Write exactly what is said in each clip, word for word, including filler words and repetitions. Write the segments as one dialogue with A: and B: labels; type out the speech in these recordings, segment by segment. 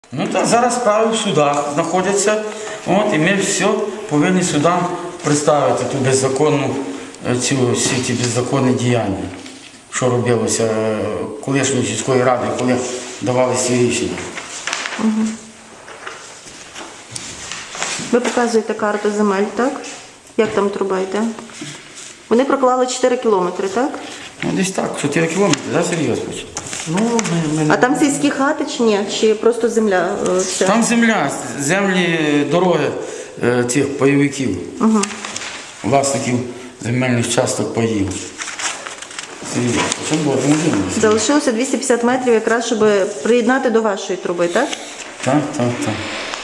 A: Ну так, зараз справи в судах знаходяться, от, і ми все повинні судам представити ту беззаконну, цю, всі ті беззаконні діяння, що робилося колишньої сільської ради, коли давали ці рішення.
B: Угу. Ви показуєте карту земель, так? Як там труба йде? Вони проклали чотири кілометри, так?
A: Ну десь так, чотири кілометри, да, серйозно?
C: Ну, ми, ми...
B: А там сільські хати чи ні? Чи просто земля? е, вся?
A: Там земля, землі, дороги е, цих пайовиків,
B: Угу.
A: власників земельних часток паїв. Серйозно, це було можливо.
B: Залишилося двісті п'ятдесят метрів якраз, щоб приєднати до вашої труби, так?
A: Так, так, так.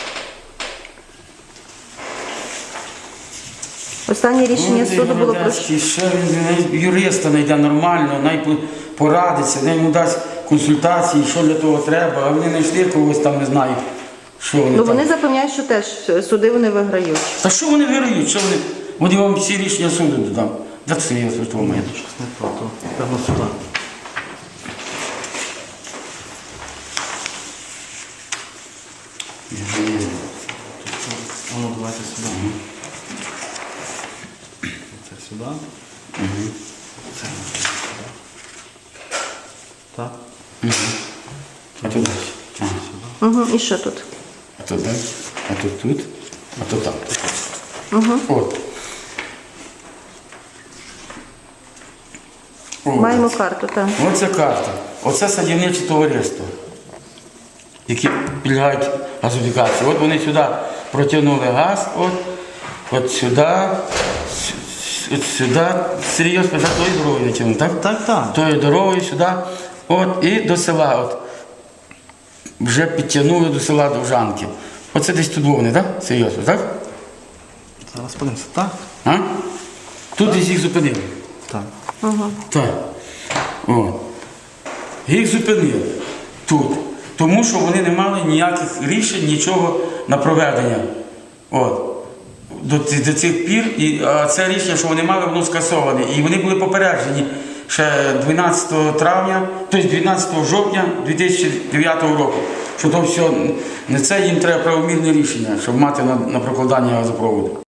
B: Останнє рішення
A: Ну,
B: суду було про
A: Городецький, ще він юриста знайде нормально, най порадиться, най йому дасть консультації, що для того треба, а вони знайшли когось там, не знаю, що вони
B: Ну
A: там.
B: вони запевняють, що теж суди вони виграють.
A: Та що вони вирують, що вони, вони вам всі рішення суду додам. Де це є в тому
C: Ні, щось не то, то певно сюди. А ну давайте сюди. Це сюди.
A: Угу.
C: Це сюди. Так.
A: Угу. А тут далі. Ага.
B: Угу. І що тут?
A: А тут далі, а тут тут, а тут так.
B: Угу.
A: От. О.
B: Маємо карту, так.
A: Оце карта. Оце садівниче товариство, які підлягають газифікації. От вони сюди протягнули газ, от, от сюди, с- от сюди, серйозно, за тою дорогою натягнули, так?
C: Так, так.
A: Тою дорогою сюди, от, і до села. От. Вже підтягнули до села Довжанки. Оце десь тут вони, так? Серйозно, так?
C: Зараз подивимося. Так?
A: А? Тут десь їх зупинили.
C: Так.
B: Угу.
A: Так. О. Їх зупинили тут. Тому що вони не мали ніяких рішень, нічого на проведення. От. До, ці- до цих пір. І, а це рішення, що вони мали, воно скасоване. І вони були попереджені ще дванадцятого травня, тобто дванадцятого жовтня дві тисячі дев'ятого року. Що то все, не це їм треба правомірне рішення, щоб мати на, на прокладання газопроводу.